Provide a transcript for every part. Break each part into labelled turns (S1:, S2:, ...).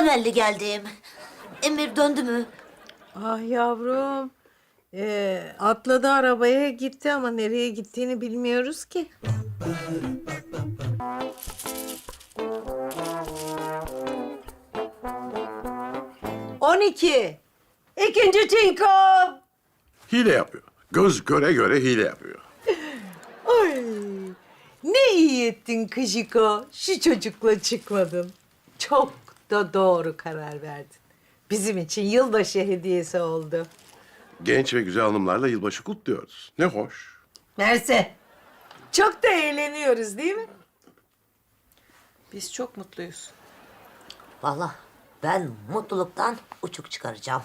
S1: temelli geldim. Emir döndü mü?
S2: Ah yavrum. Atladı arabaya gitti ama nereye gittiğini bilmiyoruz ki. ...12. İkinci çinko.
S3: Hile yapıyor. Göz göre göre hile yapıyor.
S2: Ay, ne iyi ettin Kıjiko. Şu çocukla çıkmadın. Çok da doğru karar verdin. Bizim için yılbaşı hediyesi oldu.
S3: Genç ve güzel hanımlarla yılbaşı kutluyoruz. Ne hoş.
S2: Mersi. Çok da eğleniyoruz değil mi? Biz çok mutluyuz.
S1: Vallahi ben mutluluktan uçuk çıkaracağım.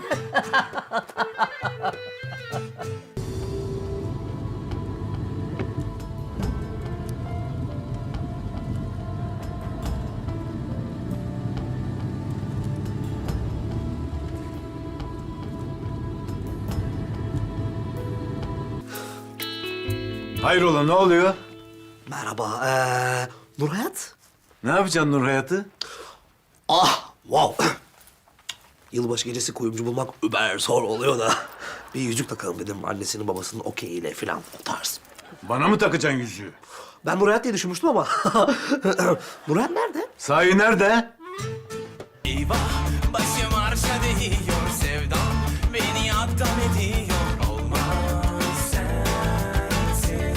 S4: Hayrola ne oluyor?
S5: Merhaba, Nurhayat?
S4: Ne yapacaksın Nur Hayat'ı?
S5: Ah, wow. Yılbaşı gecesi kuyumcu bulmak über zor oluyor da. Bir yüzük takalım dedim annesinin babasının okeyiyle falan o tarz.
S4: Bana mı takacaksın yüzüğü?
S5: Ben Nurhayat diye düşünmüştüm ama. Nurhayat nerede?
S4: Sahi nerede?
S6: Eyvah başım arşa değiyor sevdam beni adam ediyor olmaz sensiz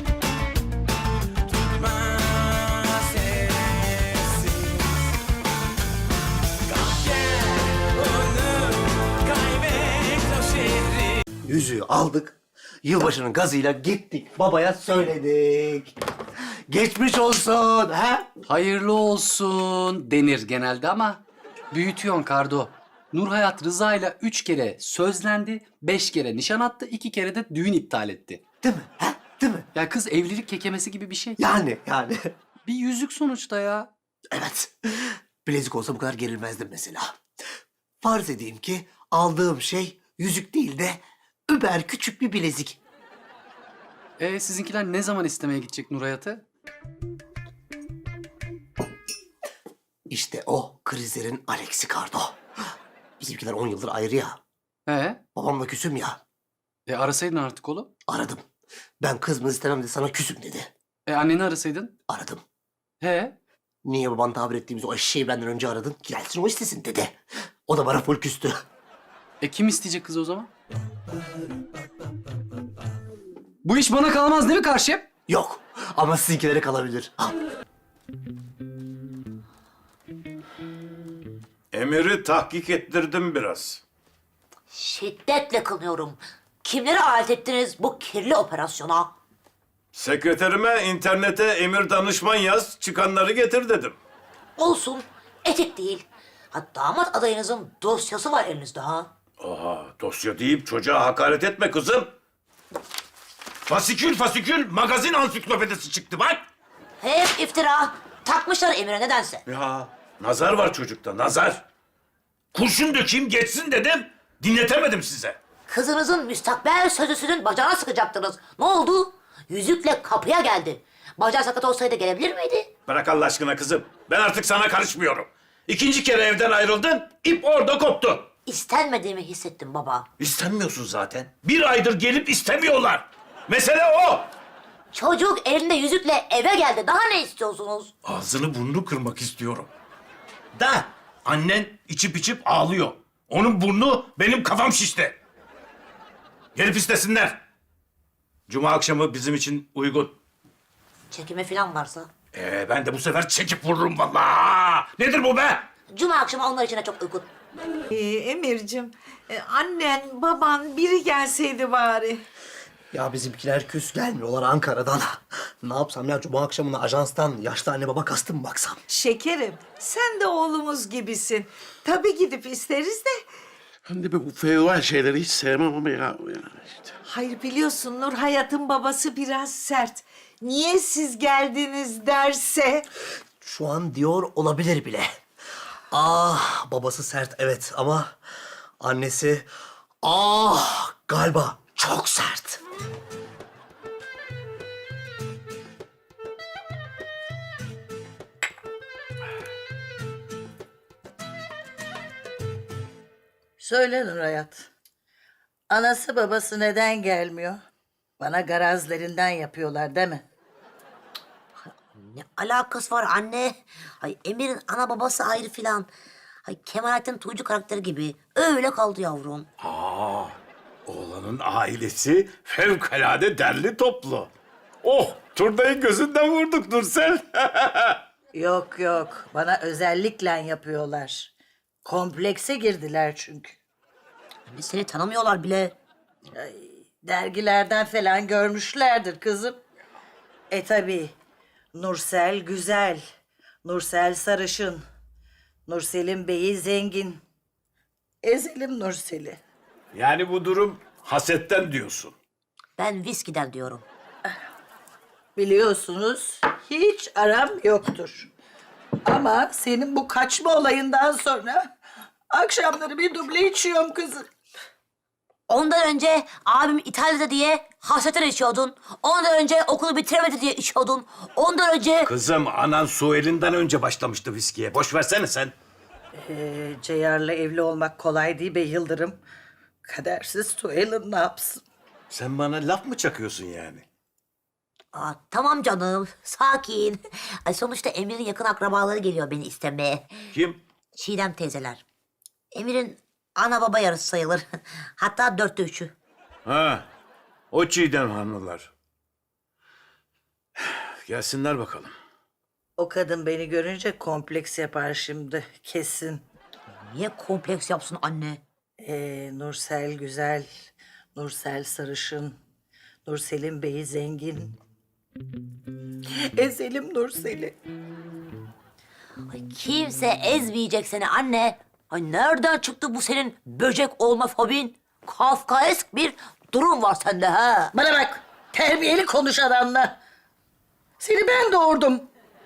S6: tutmaz sessiz kalk gel onu kaybet o şehri.
S5: Yüzüğü aldık. Yılbaşının gazıyla gittik. Babaya söyledik. Geçmiş olsun, ha?
S7: Hayırlı olsun denir genelde ama büyütüyorsun Kardo. Nurhayat Rıza ile 3 kere sözlendi, 5 kere nişan attı, 2 kere de düğün iptal etti.
S5: Değil mi? Ha? Değil mi?
S7: Ya kız evlilik kekemesi gibi bir şey.
S5: Yani.
S7: Bir yüzük sonuçta ya.
S5: Evet. Bilezik olsa bu kadar gerilmezdim mesela. Farz edeyim ki aldığım şey yüzük değil de über küçük bir bilezik.
S7: Sizinkiler ne zaman istemeye gidecek Nurhayat'ı?
S5: İşte o krizlerin Alex'i Kardo. Bizimkiler 10 yıldır ayrı ya. Babamla küsüm ya.
S7: Arasaydın artık oğlum.
S5: Aradım. Ben kızımı istemem de sana küsüm dedi.
S7: Anneni arasaydın.
S5: Aradım.
S7: He?
S5: Niye baban tabir ettiğimiz o eşeği benden önce aradın? Gelsin o istesin dedi. O da bana full küstü.
S7: Kim isteyecek kızı o zaman? Bu iş bana kalmaz değil mi karşım?
S5: Yok ama sizinkilere kalabilir. Ha.
S4: Emir'i tahkik ettirdim biraz.
S1: Şiddetle kınıyorum. Kimleri alet ettiniz bu kirli operasyona?
S4: Sekreterime internete Emir danışman yaz, çıkanları getir dedim.
S1: Olsun, etik değil. Ha, damat adayınızın dosyası var elinizde ha.
S4: Aha, dosya deyip çocuğa hakaret etme kızım. Fasikül magazin ansiklopedisi çıktı bak.
S1: Hep iftira. Takmışlar Emir'e nedense.
S4: Ya nazar var çocukta, nazar. Kurşun dökeyim geçsin dedim, dinletemedim size.
S1: Kızınızın müstakbel sözlüsünün bacağına sıkacaktınız. Ne oldu? Yüzükle kapıya geldi. Bacağı sakat olsaydı gelebilir miydi?
S4: Bırak Allah aşkına kızım, ben artık sana karışmıyorum. İkinci kere evden ayrıldın, ip orada koptu.
S1: İstenmediğimi hissettim baba.
S4: İstenmiyorsun zaten. Bir aydır gelip istemiyorlar. Mesele o.
S1: Çocuk elinde yüzükle eve geldi. Daha ne istiyorsunuz?
S4: Ağzını burnunu kırmak istiyorum. Da annen içip içip ağlıyor. Onun burnu benim kafam şişti. Gelip istesinler. Cuma akşamı bizim için uygun.
S1: Çekimi falan varsa.
S4: Ben de bu sefer çekip vururum vallahi. Nedir bu be?
S1: Cuma akşamı onlar için de çok uygun.
S2: Emir'cim, annen, baban biri gelseydi bari.
S5: Ya bizimkiler küs gelmiyorlar Ankara'dan. Ne yapsam ya cuma akşamına ajanstan yaşlı anne baba kastı mı baksam?
S2: Şekerim, sen de oğlumuz gibisin. Tabii gidip isteriz de.
S3: Ben de bu feodal şeyleri hiç sevmem ama ya işte.
S2: Hayır biliyorsun Nur Hayat'ın babası biraz sert. Niye siz geldiniz derse.
S5: Şu an diyor olabilir bile. Ah babası sert evet ama annesi galiba çok sert.
S2: Söyle Nur Hayat. Anası babası neden gelmiyor? Bana garazlerinden yapıyorlar değil mi?
S1: Ne alakası var anne? Ay Emir'in ana babası ayrı filan. Ay Kemalettin Tuğcu karakteri gibi. Öyle kaldı yavrum.
S4: Oğlanın ailesi fevkalade derli toplu. Oh, turnayı gözünden vurduk Nursel.
S2: Yok yok. Bana özellikle yapıyorlar. Komplekse girdiler çünkü.
S1: Anne seni tanımıyorlar bile.
S2: Dergilerden falan görmüşlerdir kızım. Tabii. Nursel güzel. Nursel sarışın. Nursel'in beyi zengin. Ezelim Nursel'i.
S4: Yani bu durum hasetten diyorsun.
S1: Ben viskiden diyorum.
S2: Biliyorsunuz hiç aram yoktur. Ama senin bu kaçma olayından sonra akşamları bir duble içiyorum kızım.
S1: Ondan önce abim İtalya'da diye hasretten içiyordun. Ondan önce okulu bitiremedi diye içiyordun. Ondan önce...
S4: Kızım, anan Suel'inden önce başlamıştı viskiye. Boş versene sen.
S2: Ceyar'la evli olmak kolay değil be Yıldırım. Kadersiz Tuğel'in ne yapsın?
S4: Sen bana laf mı çakıyorsun yani?
S1: Aa, tamam canım, sakin. Ay, sonuçta Emir'in yakın akrabaları geliyor beni istemeye.
S4: Kim?
S1: Çiğdem teyzeler. Emir'in ana baba yarısı sayılır. Hatta 3'ü.
S4: Ha, o Çiğdem hanımlar. Gelsinler bakalım.
S2: O kadın beni görünce kompleks yapar şimdi kesin.
S1: Niye kompleks yapsın anne?
S2: Nursel güzel, Nursel sarışın, Nursel'in beyi zengin. Ezelim Nursel'i.
S1: Ay, kimse ezmeyecek seni anne. Ay, nereden çıktı bu senin böcek olma fobin? Kafkaesk bir durum var sende ha.
S2: Bana bak, terbiyeli konuş adamla. Seni ben doğurdum.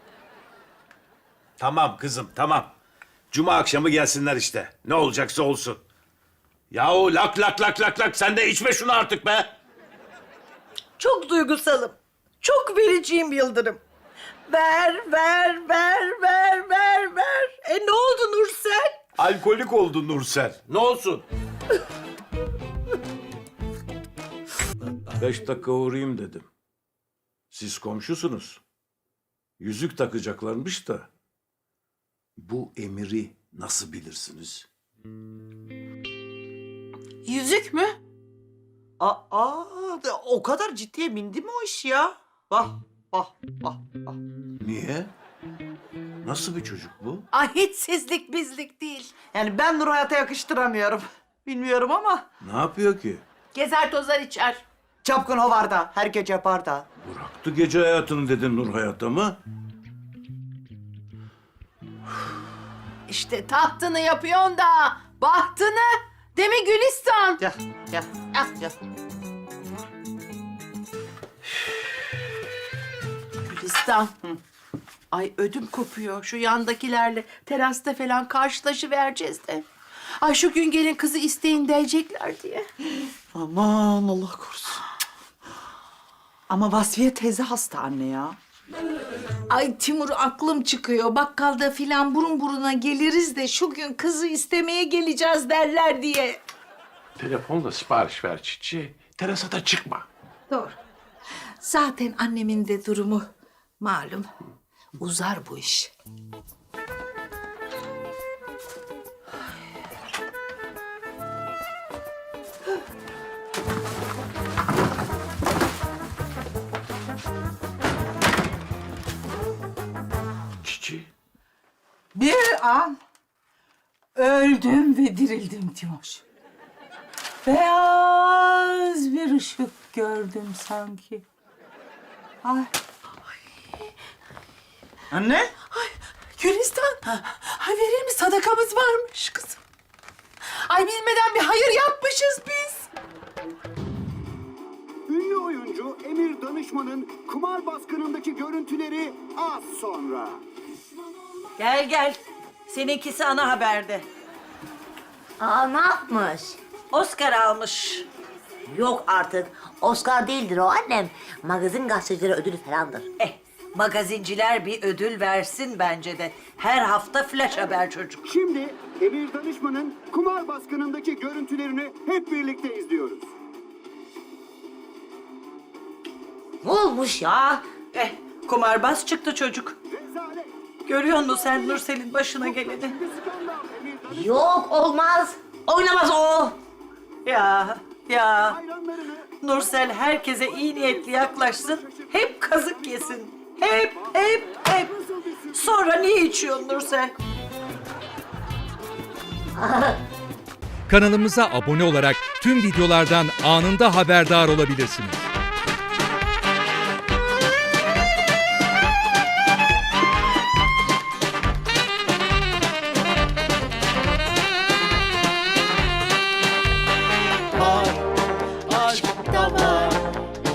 S4: Tamam kızım, tamam. Cuma akşamı gelsinler işte. Ne olacaksa olsun. Yahu lak lak lak lak lak, sen de içme şunu artık be.
S2: Çok duygusalım. Çok vericiyim Yıldırım. Ver, ver, ver, ver, ver, ver. Ne oldu Nursel?
S4: Alkolik oldu Nursel. Ne olsun? 5 dakika uğrayayım dedim. Siz komşusunuz. Yüzük takacaklarmış da. Bu Emir'i nasıl bilirsiniz?
S8: Yüzük mü?
S9: Aa, o kadar ciddiye bindi mi o iş ya? Vah, vah, vah, vah.
S4: Niye? Nasıl bir çocuk bu?
S8: Ay hiç sizlik bizlik değil.
S9: Yani ben Nur Hayat'a yakıştıramıyorum. Bilmiyorum ama
S4: Ne yapıyor ki?
S8: Gezer tozar içer.
S9: çapkın hovarda, her gece yaparda.
S4: Bıraktı gece hayatını dedin Nur Hayat'a mı?
S8: İşte tahtını yapıyorsun da bahtını. Değil mi Gülistan?
S9: Gel, gel, gel.
S8: Gülistan. Ay ödüm kopuyor. Şu yandakilerle terasta falan karşılaşıvereceğiz de. Ay şu gün gelin kızı isteyin diyecekler diye.
S9: Aman Allah korusun. Ama Vasfiye teyze hasta anne ya.
S2: Ay Timur aklım çıkıyor. Bakkalda filan burun buruna geliriz de şu gün kızı istemeye geleceğiz derler diye.
S3: Telefonla sipariş ver Çiçi. Terasa çıkma.
S2: Doğru. Zaten annemin de durumu malum. Uzar bu iş.
S3: Çiçi.
S2: Bir an öldüm ve dirildim Timur. Beyaz bir ışık gördüm sanki. Ay.
S9: Anne?
S8: Gülistan. Ay verir mi? Sadakamız varmış kızım. Ay bilmeden bir hayır yapmışız biz.
S10: Ünlü oyuncu Emir Danışman'ın kumar baskınındaki görüntüleri az sonra.
S2: Gel gel. Seninkisi ana haberde.
S1: Aa, ne yapmış?
S2: Oscar almış.
S1: Yok artık. Oscar değildir o annem. Magazin gazetecileri ödülü falandır.
S2: magazinciler bir ödül versin bence de. Her hafta flash haber çocuk.
S10: Şimdi Emir Danışman'ın kumar baskınındaki görüntülerini hep birlikte izliyoruz.
S1: Ne olmuş ya?
S9: Kumarbaz çıktı çocuk.
S10: Rezalet.
S9: Görüyor musun sen Nursel'in başına geleni?
S10: Bir skandal Emir Danışman
S1: Yok olmaz. Oynamaz o.
S10: hayranlarını
S9: Nursel herkese iyi niyetli yaklaşsın. Hep kazık yesin. Hep. Sonra niye içiyorsun Nursel?
S11: Kanalımıza abone olarak tüm videolardan anında haberdar olabilirsiniz.